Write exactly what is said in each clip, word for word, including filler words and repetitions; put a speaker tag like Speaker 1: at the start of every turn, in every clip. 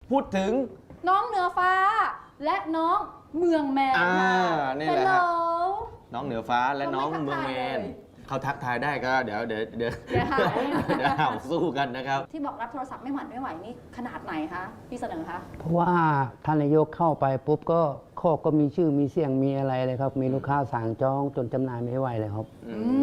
Speaker 1: พูดถึง
Speaker 2: น้องเหนือฟ้าและน้องเมืองแมน
Speaker 1: อ่า
Speaker 2: ค่ะ
Speaker 1: นี่แหละ
Speaker 2: ฮัลโหล
Speaker 1: น้องเหนือฟ้าและน้องเมืองแมนเขาทักทายได้ก็เดี๋ยวเดี๋ยวเดี๋ยวเดี๋ยวเห่าสู้กันนะครับ
Speaker 2: ที่บอกรับโทรศัพท์ไม่หวั่นไม่ไหวนี่ขนาดไหนคะพี่เสนอคะ
Speaker 3: เพราะว่าท่านนายกเข้าไปปุ๊บก็ข้อก็มีชื่อมีเสียงมีอะไรเลยครับมีลูกค้าสั่งจองจนจำหน่ายไม่ไหวเลยครับ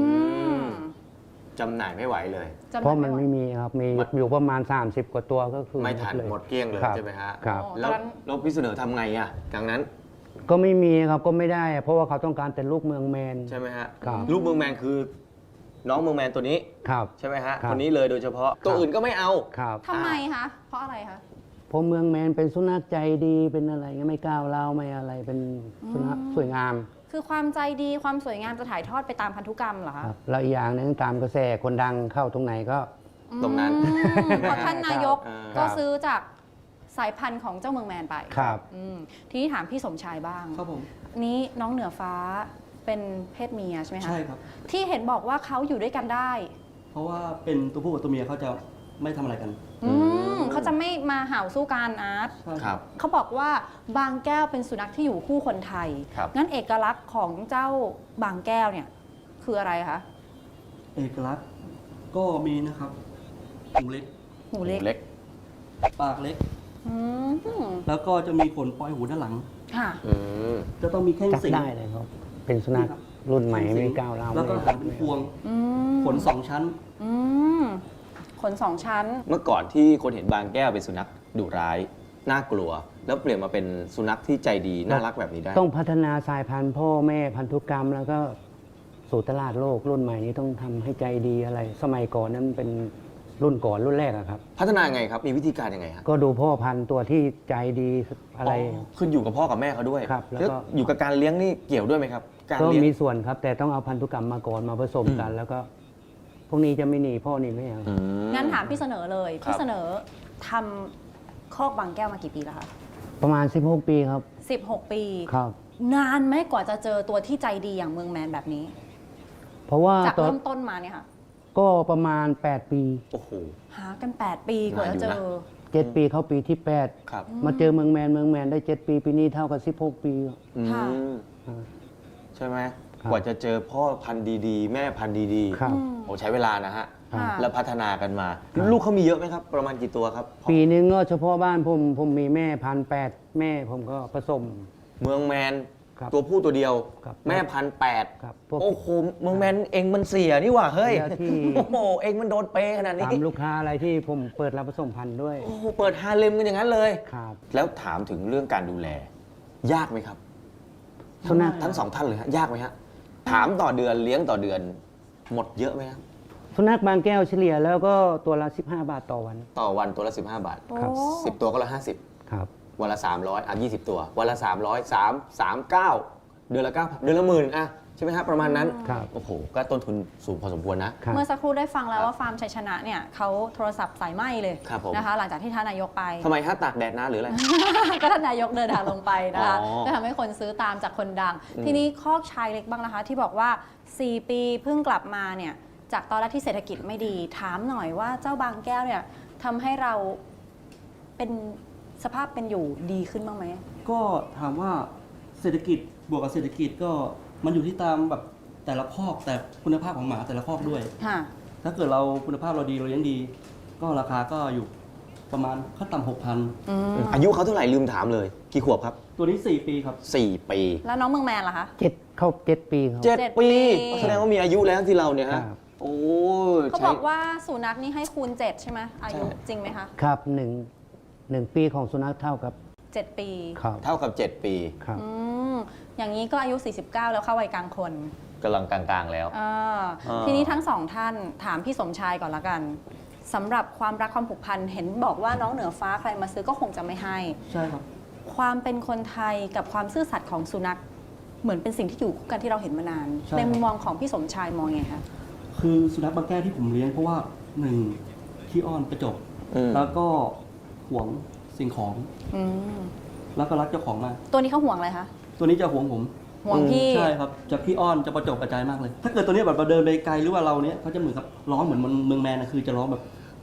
Speaker 1: จำหน่ายไม่ไหวเลย
Speaker 3: เพราะมันไม่มีครับมีอยู่ประมาณสามสิบกว่าตัวก็คือ
Speaker 1: ไม่ทันหมดเกลี้ยงเลยใช่ไหมฮะ
Speaker 3: ครับ
Speaker 1: แล้วแล้วพี่เสนอทำไงอ่ะดังนั้น
Speaker 3: ก็ไม่มีครับก็ไม่ได้เพราะว่าเขาต้องการเป็นลูกเมืองแมน
Speaker 1: ใช่ไหมฮะ
Speaker 3: ครับ
Speaker 1: ลูกเมืองแมนคือน้องเมืองแมนตัวนี้
Speaker 3: ครับ
Speaker 1: ใช่ไหมฮะคนนี้เลยโดยเฉพาะตัวอื่นก็ไม่เอา
Speaker 3: ครับ
Speaker 2: ทำไมคะเพราะอะไรคะ
Speaker 3: เพราะเมืองแมนเป็นสุนัขใจดีเป็นอะไรเงี้ยไม่ก้าวร้าวไม่อะไรเป็นสุนัขสวยงาม
Speaker 2: คือความใจดีความสวยงามจะถ่ายทอดไปตามพันธุกรรมเหรอคะ
Speaker 3: แล้วอีกอย่างนึงตามกระแสคนดังเข้าตรงไหนก็
Speaker 1: ตรงนั้น
Speaker 2: เพราะท่านนายกก็ซื้อจากสายพันธุ์ของเจ้าเมืองแมนไป
Speaker 3: ครับ
Speaker 2: ทีนี้ถามพี่สมชายบ้าง
Speaker 4: ครับผม
Speaker 2: นี้น้องเหนือฟ้าเป็นเพศเมียใช่ไหมคะ
Speaker 4: ใช่ครับ
Speaker 2: ที่เห็นบอกว่าเขาอยู่ด้วยกันได้
Speaker 4: เพราะว่าเป็นตัวผู้กับตัวเมียเขาจะไม่ทำอะไรกัน
Speaker 2: อืมเขาจะไม่มาเห่าสู้กันอาร์ต
Speaker 1: ครับ
Speaker 2: เขาบอกว่าบางแก้วเป็นสุนัขที่อยู่คู่คนไทยงั้นเอกลักษณ์ของเจ้าบางแก้วเนี่ยคืออะไรคะ
Speaker 4: เอกลักษณ์ก็มีนะครับหูเล็ก
Speaker 2: หูเล็ก
Speaker 4: ปากเล็กแล้วก็จะมีขนปลอยหูด้านหลัง
Speaker 2: ค่ะ
Speaker 4: จะต้องมีแข้งสิง
Speaker 3: ได้เลยครับเป็นสุนัขรุ่นใหม่ไม่ก้าวร้าว
Speaker 4: แล้วก็หางเป็นพวงขนสองชั้น
Speaker 2: ขนสองชั้น
Speaker 1: เมื่อก่อนที่คนเห็นบางแก้วเป็นสุนัขดุร้ายน่ากลัวแล้วเปลี่ยนมาเป็นสุนัขที่ใจดีน่ารักแบบนี้ได้
Speaker 3: ต้องพัฒนาสายพันธุ์พ่อแม่พันธุกรรมแล้วก็สู่ตลาดโลกรุ่นใหม่นี้ต้องทำให้ใจดีอะไรสมัยก่อนนั้นเป็นรุ่นก่อนรุ่นแรกอะครับ
Speaker 1: พัฒนาไงครับมีวิธีการยังไงครับ
Speaker 3: ก็ดูพ่อพันธุ์ตัวที่ใจดีอะไร
Speaker 1: ขึ้นอยู่กับพ่อกับแม่เขาด้วย
Speaker 3: ครับแล้วก็
Speaker 1: อยู่กับการเลี้ยงนี่เกี่ยวด้วยไหมครับ
Speaker 3: ก็มีส่วนครับแต่ต้องเอาพันธุกรรมมาก่อนมาผสมกันแล้วก็พวกนี้จะไม่หนีพ่อหนีแม่
Speaker 2: งั้นถามพี่เสนอเลยพี่เสนอทำคอกบางแก้วมากี่ปีแล้วคะ
Speaker 3: ประมาณสิบหกปีครับ
Speaker 2: สิบหกปี
Speaker 3: ครับ
Speaker 2: นานไหมกว่าจะเจอตัวที่ใจดีอย่างเมืองแมนแบบนี้
Speaker 3: เพราะว่า
Speaker 2: จากเริ่มต้นมาเนี่ยค่ะ
Speaker 3: ก็ประมาณแปดปี
Speaker 1: โอ้โห
Speaker 2: หากันแปดปีกว่าจะเจอ
Speaker 3: เจ็ดปีเข้าปีที่แปดมาเจอเมืองแมนเมืองแมนได้เจ็ดปีปีนี้เท่ากับสิบหกปี
Speaker 1: ใช่ไหมกว่าจะเจอพ่อพันธุ์ดีๆแม่พันธุ์ดีๆโอ้ใช้เวลานะฮะแล้วพัฒนากันมาลูกเขามีเยอะไหมครับประมาณกี่ตัวครับ
Speaker 3: ปีนึงก็เฉพาะบ้านผมผมมีแม่พันแปดแม่ผมก็ผสม
Speaker 1: เมืองแมนตัวผู้ตัวเดียวแม่พันแปดโอ้โหเมืองแมนเองมันเสียนี่หว่าเฮ้ยโอ้โหเองมันโดนเปขนาดนี้
Speaker 3: ตามลูกค้าอะไรที่ผมเปิดรับผสมพันธุ์ด้วย
Speaker 1: โอ้โหเปิดฮาเลมกันอย่างนั้นเลย
Speaker 3: ครับ
Speaker 1: แล้วถามถึงเรื่องการดูแลยากไหมครับ
Speaker 3: สุนัข
Speaker 1: ทั้งสองท่านเลยฮะยากไหมฮะถามต่อเดือนเลี้ยงต่อเดือนหมดเยอะไหมครับ
Speaker 3: สุนัขบางแก้วเฉลี่ยแล้วก็ตัวละสิบห้าบาทต่อวัน
Speaker 1: ต่อวันตัวละสิบห้าบาทครับสิบตัวก็ละห้าสิบ
Speaker 3: ครับ
Speaker 1: วันละสามร้อยอ่ะยี่สิบตัววันละสามร้อยสามสามเก้าเดือนละเก้าเดือนละหมื่นอ่ะใช่ไหมครับประมาณนั้นโอ้โหก็ต้นทุนสูงพอสมควรนะ
Speaker 2: เมื่อสักครู่ได้ฟังแล้วว่าฟาร์มชัยชนะเนี่ยเขาโทรศัพท์สายไหมเลยนะคะหลังจากที่ท่านนายกไป
Speaker 1: ทำไมฮะตากแดดนะหรืออะไร
Speaker 2: ก็ท่านนายกเดินทางลงไปนะคะก็ทำให้คนซื้อตามจากคนดังทีนี้คอกชายเล็กบ้างนะคะที่บอกว่าสี่ปีเพิ่งกลับมาเนี่ยจากตอนแรกที่เศรษฐกิจไม่ดีถามหน่อยว่าเจ้าบางแก้วเนี่ยทำให้เราเป็นสภาพเป็นอยู่ดีขึ้นบ้างไหม
Speaker 4: ก็ถามว่าเศรษฐกิจบวกกับเศรษฐกิจก็มันอยู่ที่ตามแบบแต่ละคอกแต่คุณภาพของหมาแต่ละคอกด้วยถ้าเกิดเราคุณภาพเราดีเราเลี้ยงดีก็ราคาก็อยู่ประมาณขั้นต่ำหกพัน
Speaker 1: อายุเขาเท่าไหร่ลืมถามเลยกี่ขวบครับ
Speaker 4: ตัวนี้สี่ปีครับ
Speaker 1: สี่ปี
Speaker 2: แล้วน้องเมืองแมนล่ะคะ
Speaker 3: เจ็ดเข้าเจ็ดปีครับ
Speaker 1: เจ็ดปีแสดงว่ามีอายุแล้วที่เราเนี่ยฮะโอ้
Speaker 2: เขาบอกว่าสุนัขนี่ให้คูณเจ็ดใช่ไหมอายุจริงไหมคะ
Speaker 3: ครับหนึ่งหนึ่งปีของสุนัขเท่ากับ
Speaker 2: เจ็ดปี
Speaker 1: เท่ากับเจ็ดปี
Speaker 3: ครับ
Speaker 2: อย่างนี้ก็อายุสี่สิบเก้าแล้วเข้าวัยกลางคน
Speaker 1: กำลังกลางๆแล้ว
Speaker 2: ทีนี้ทั้งสองท่านถามพี่สมชายก่อนละกันสำหรับความรักความผูกพันเห็นบอกว่าน้องเหนือฟ้าใครมาซื้อก็คงจะไม่ให้
Speaker 4: ใช่ครับ
Speaker 2: ความเป็นคนไทยกับความซื่อสัตย์ของสุนัขเหมือนเป็นสิ่งที่อยู่คู่กันที่เราเห็นมานานในมุมมองของพี่สมชายมองไงคะ
Speaker 4: คือสุนัขบางแก้วที่ผมเลี้ยงเพราะว่าหนึ่งขี้อ้อนกระจกแล้วก็หวงสิ่งของแล้วก็รักเจ้าของมาก
Speaker 2: ตัวนี้เขาห่วงอะไรคะ
Speaker 4: ตัวนี้จะห่วงผม
Speaker 2: ห่วงพี่
Speaker 4: ใช่ครับจะพี่อ้อนจะประจบกระจายมากเลยถ้าเกิดตัวนี้แบบเราเดินไปไกลหรือว่าเราเนี้ยเขาจะเหมือนกับร้องเหมือนเมืองแมนนะคือจะร้องแบบ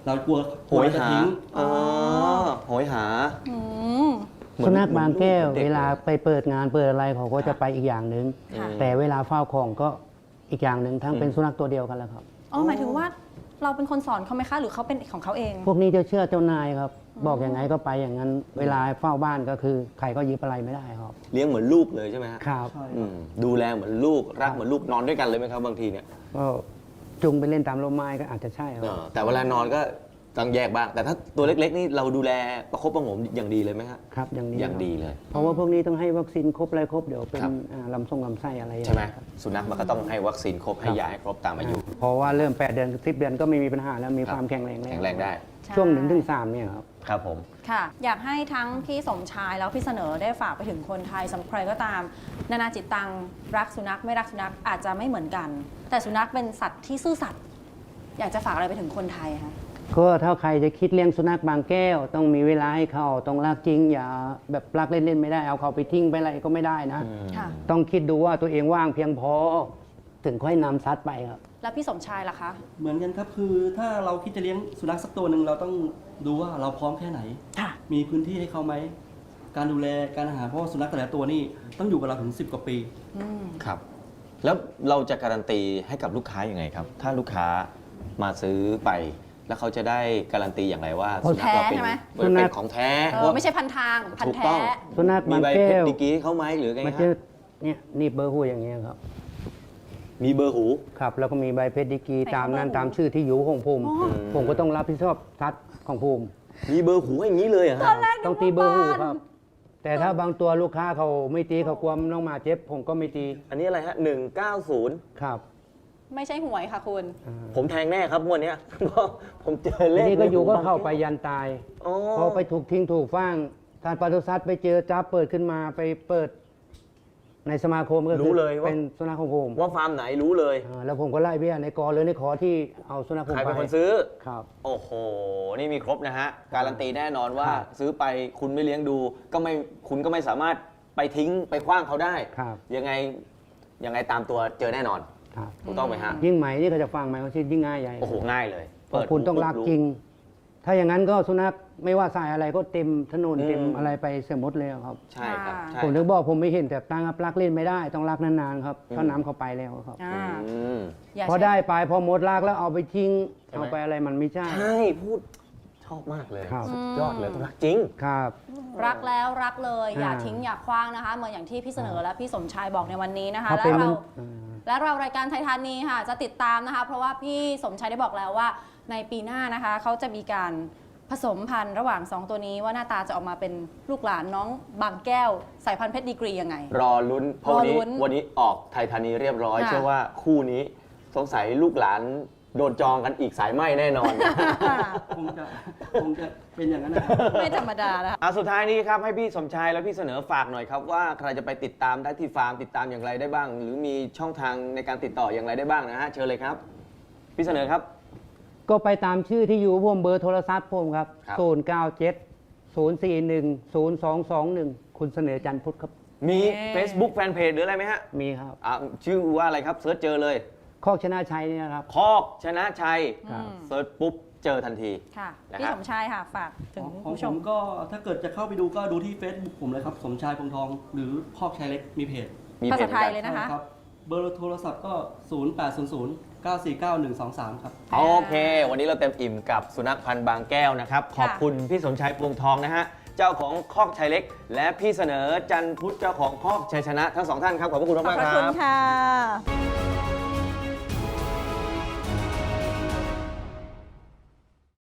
Speaker 4: เรากลัว
Speaker 1: โหย
Speaker 4: จะ
Speaker 1: หา
Speaker 4: ทิ้ง
Speaker 1: อ๋อโหยหา
Speaker 2: อืม
Speaker 1: เหมือ
Speaker 3: สุนัขบางแก้ว
Speaker 1: หมือน
Speaker 3: เวลาไปเปิดงานเปิดอะไรเขาก็จะไปอีกอย่างหนึ่ง
Speaker 2: ค่ะ
Speaker 3: แต่เวลาเฝ้าของก็อีกอย่างหนึ่งทั้งเป็นสุนัขตัวเดียวกันแล้วครับ
Speaker 2: อ๋อหมายถึงว่าเราเป็นคนสอนเขาไหมคะ หรือเขาเป็นของเขาเอง
Speaker 3: พวกนี้จะเชื่อเจ้านายครับ บอกอย่างไงก็ไปอย่างนั้น เวลาเฝ้าบ้านก็คือใครก็ยึดอะไรไม่ได้ครับ
Speaker 1: เลี้ยงเหมือนลูกเลยใช่ไหมฮะ
Speaker 3: ครับ
Speaker 4: ใช่
Speaker 1: อืมดูแลเหมือนลูกรักเหมือนลูกนอนด้วยกันเลยไหมครับบางทีเนี่ย
Speaker 3: ก็จุงไปเล่นตามลมไม้ก็อาจจะใช่ค
Speaker 1: เอ
Speaker 3: รับ
Speaker 1: อแต่เวลานอนก็ต้องแยกบ้าง แต่ถ้าตัวเล็กๆนี่เราดูแลประคบประหงมอย่างดีเลยไหมฮะ
Speaker 3: ครับอย่างนี้
Speaker 1: อย่างดีเลย
Speaker 3: เพราะว่าพวกนี้ต้องให้วัคซีนครบอะไรครบเดี๋ยวเป็น
Speaker 1: ครับ
Speaker 3: อ่าลำทรงลำไส้อะไรอย่าง
Speaker 1: ใช่ไหม
Speaker 3: เงี้ยครับ
Speaker 1: สุนัขมันก็ต้องให้วัคซีนครบให้ยาให้ครบตามอายุ
Speaker 3: เพราะว่าเริ่มแปดเดือนสิบเดือนก็ไม่มีปัญหาแล้วมี
Speaker 1: ครับ
Speaker 3: ความแข็งแรงแล้ว
Speaker 1: แข็งแรงได้
Speaker 3: ช่วงหนึ่งถึงสามเนี่ยครับ
Speaker 1: ครับผม
Speaker 2: ค่ะ อยากให้ทั้งพี่สมชายแล้วพี่เสนอได้ฝากไปถึงคนไทยสำหรับใครก็ตาม นานาจิตตังรักสุนัขไม่รักสุนัขอาจจะไม่เหมือนกัน แต่สุนัขเป็นสัตว์ที่ซื่อสัตย์อยากจะฝากอะไรไปถึงคนไทยคะ
Speaker 3: ก็ถ้าใครจะคิดเลี้ยงสุนัขบางแก้ว ต้องมีเวลาให้เขาต้องรักจริง อย่าแบบรักเล่นๆไม่ได้เอาเขาไปทิ้งไปอะไรก็ไม่ได้นะ
Speaker 2: ค่ะ
Speaker 3: ต้องคิดดูว่าตัวเองว่างเพียงพอ ถึงค่อยนำซัดไปครับ
Speaker 2: แล้วพี่สมชายล่ะคะ
Speaker 4: เหมือนกันครับคือถ้าเราคิดจะเลี้ยงสุนัขสักตัวหนึ่งเราต้องดูว่าเราพร้อมแค่ไหน
Speaker 2: ค่ะ
Speaker 4: มีพื้นที่ให้เขาไหมการดูแลการอาหารเพราะว่าสุนัขแต่ละตัวนี่ต้องอยู่กับเราถึงสิบกว่าปี
Speaker 2: อืม
Speaker 1: ครับ แล้วเราจะการันตีให้กับลูกค้ายัางไงครับ ถ้าลูกค้ามาซื้อไป แล้วเขาจะได้การันตีอย่างไรว่า
Speaker 2: ของแท้
Speaker 1: เราเป็น
Speaker 2: ใช่ไหม
Speaker 1: เป็นเป็นของแท้
Speaker 2: เออไม่ใช่พันทาง พัน
Speaker 1: ถูก
Speaker 2: แท้
Speaker 1: ต้อง
Speaker 3: สุนัข
Speaker 1: มี
Speaker 3: บาง
Speaker 1: ใบ
Speaker 3: แก้
Speaker 1: เพชร
Speaker 3: ว
Speaker 1: ดีกรีเขาไหมหรือไง
Speaker 3: มัน
Speaker 1: ฮะ
Speaker 3: จะเนี่ยนี่เบอร์หูอย่างเงี้ยครับ
Speaker 1: มีเบอร์หู
Speaker 3: ครับ แล้วก็มีใบเพชรดีกรี
Speaker 2: ใส่
Speaker 3: ตามนั้น
Speaker 2: เบอร์หู
Speaker 3: ตามชื่อที่อยู่ของภูมิ
Speaker 2: อ๋อ
Speaker 3: ผมก็ต้องรับผิดชอบซัดของภูมิ
Speaker 1: มีเบอร์หูอย่างนี้เลยเหรอ
Speaker 2: ตอ
Speaker 1: ฮะ
Speaker 2: นแรก
Speaker 3: ต้องตีเบอร์หูครับ แต่ถ้าบางตัวลูกค้าเขาไม่ตีเขากลัวน้องหมาเจ็บ ผมก็ไม่ตี
Speaker 1: อันนี้อะไรฮะหนึ่งเก้าศูนย์
Speaker 3: ครับ
Speaker 2: ไม่ใช่หวยค่ะคุณ
Speaker 3: อ่า
Speaker 1: ผมแทงแน่ครับงวันนี้ย เพราะผมเจอเล
Speaker 3: ที
Speaker 1: ข
Speaker 3: นี้ก็อยู่ก็เข้า
Speaker 1: บง
Speaker 3: ไปยันตาย
Speaker 1: อ๋อ
Speaker 3: พอไปถูกทิ้งถูกฟ้างทานปศุสัตว์ไปเจอจับเปิดขึ้นมาไปเปิด ในสมาคมก็คื
Speaker 1: รู้
Speaker 3: อ
Speaker 1: เลยว่า
Speaker 3: เป็นสุนัขของผม
Speaker 1: ว่าฟาร์มไหนรู้เลย
Speaker 3: อ่าแล้วผมก็ไล่เบี้ยในกอหรือในขอที่เอาสุนัขผม
Speaker 1: ใคร
Speaker 3: ไป
Speaker 1: เป็นคนซื้อ
Speaker 3: ครับ
Speaker 1: โอ้โห นี่มีครบนะฮะ การันตีแน่นอนว่า
Speaker 3: ครับ
Speaker 1: ซื้อไปคุณไม่เลี้ยงดูก็ไม่คุณก็ไม่สามารถไปทิ้งไปคว้างเขาได้
Speaker 3: ครับ
Speaker 1: ยังไงยังไงตามตัวเจอแน่นอน
Speaker 3: ครับ
Speaker 1: ถูกต้องไหมฮะ
Speaker 3: ยิ่งใหม่นี่เขาจะฟังไหมเขาชื่อยิ่งง่ายใหญ่
Speaker 1: โอ้โห ง่ายเลย
Speaker 3: เพราะคุณต้องรักจริง ถ้าอย่างนั้นก็สุนัขไม่ว่าสายอะไรก็เต็มถนน
Speaker 1: อืม
Speaker 3: เต็มอะไรไปเสียหมดเลยครับ
Speaker 1: ใช่ครับใช่
Speaker 3: ผมถึงบอกผมไม่เห็นแต่ตั้งครับรักเล่นไม่ได้ต้องรักนานๆครับ
Speaker 1: อืม
Speaker 3: ถ้าน้ำเข้าไปแล้วครับ
Speaker 2: อ่า
Speaker 1: อืม
Speaker 2: อย่า
Speaker 3: พอ
Speaker 2: ใช้
Speaker 3: ได้ไปพอหมดรักแล้วเอาไปทิ้ง
Speaker 1: ใช่ไหม
Speaker 3: เอาไปอะไรมันไม่ใช่
Speaker 1: ใช่พูดชอบมากเลย
Speaker 3: ครับ
Speaker 1: สุดยอดเลยต้องรักจริง
Speaker 3: ครับ
Speaker 2: รักแล้วรักเลย อย่า
Speaker 3: อ่า
Speaker 2: ทิ้งอย่าคว้างนะคะ เหมือนอย่างที่พี่เสนอและพี่สมชายบอกในวันนี้นะคะ
Speaker 3: เขา
Speaker 2: และ
Speaker 3: เป็น
Speaker 2: เรา
Speaker 3: อ่า
Speaker 2: และเรารายการไทยธานีค่ะ จะติดตามนะคะ เพราะว่าพี่สมชายได้บอกแล้วว่าในปีหน้านะคะเขาจะมีการผสมพันธุ์ระหว่างสองตัวนี้ว่าหน้าตาจะออกมาเป็นลูกหลานน้องบางแก้วสายพันธุ์เพชรดีกรียังไง
Speaker 1: รอลุ้นเพราะวันนี้
Speaker 2: รอลุ้น
Speaker 1: วันนี้ออกไทยธานีเรียบร้อย
Speaker 2: ค่ะ
Speaker 1: เชื่อว่าคู่นี้สงสัยลูกหลานโดนจองกันอีกสายไหมแน่นอน
Speaker 4: คงจะคงจะเป็นอย่างนั้นนะครับ
Speaker 2: ไม่ธรรมดานะคะ
Speaker 1: อ่ะสุดท้ายนี้ครับให้พี่สมชายและพี่เสนอฝากหน่อยครับว่าใครจะไปติดตามได้ที่ฟาร์มติดตามอย่างไรได้บ้าง หรือมีช่องทางในการติดต่ออย่างไรได้บ้างนะฮะเชิญเลยครับ พี่เสนอครับ
Speaker 3: ก็ไปตามชื่อที่อยู่ผมเบอร์โทรศัพท์ผมครับ
Speaker 1: ครับ
Speaker 3: ศูนย์เก้าเจ็ดศูนย์สี่หนึ่งศูนย์สองสองหนึ่งคุณเสนอจันทร์พุทธครับ
Speaker 1: มี
Speaker 2: เอ๊ะ
Speaker 1: Facebook Fanpage หรืออะไรไหมฮะ
Speaker 3: มีครับ
Speaker 1: อ่ะชื่อว่าอะไรครับเซิร์ชเจอเลย
Speaker 3: คอกชนะชัยเนี่ยนะครับ
Speaker 1: คอกชนะชัย
Speaker 3: ครับ
Speaker 1: เซิร์ชปุ๊บเจอทันที
Speaker 2: ค่ะ
Speaker 1: นะครับ
Speaker 2: พี่สมชายค่ะ ฝากถึง
Speaker 4: ของ
Speaker 2: ผู้
Speaker 4: ผ
Speaker 2: ชม
Speaker 4: มก็ถ้าเกิดจะเข้าไปดูก็ดูที่ Facebook ผมเลยครับ สมชายพงทอง หรือคอกชายเล็กมีเพจ
Speaker 1: มี
Speaker 2: ภา
Speaker 1: เพ
Speaker 2: ษา
Speaker 1: จ
Speaker 2: ไทย
Speaker 1: กัน
Speaker 2: เลยนะคะ
Speaker 4: ใช่ครับ เบอร์โทรศัพท์ก็ ศูนย์ แปด ศูนย์ ศูนย์ เก้า สี่ เก้า หนึ่ง สอง สาม ครับ
Speaker 1: โอเค วันนี้เราเต็มอิ่มกับสุนัขพันธ์บางแก้วนะครับ ขอบคุณพี่สมชายพวงทองนะฮะ เจ้าของคอกชัยเล็ก และพี่เสนอจันทร์พุทธเจ้าของคอกชัยชนะทั้งสองท่านครับ ขอบพระคุณ
Speaker 2: ขอบ
Speaker 1: มาก
Speaker 2: พ
Speaker 1: ๆ
Speaker 2: ระ
Speaker 1: ค
Speaker 2: คุณ
Speaker 1: รับ
Speaker 2: ค่ะ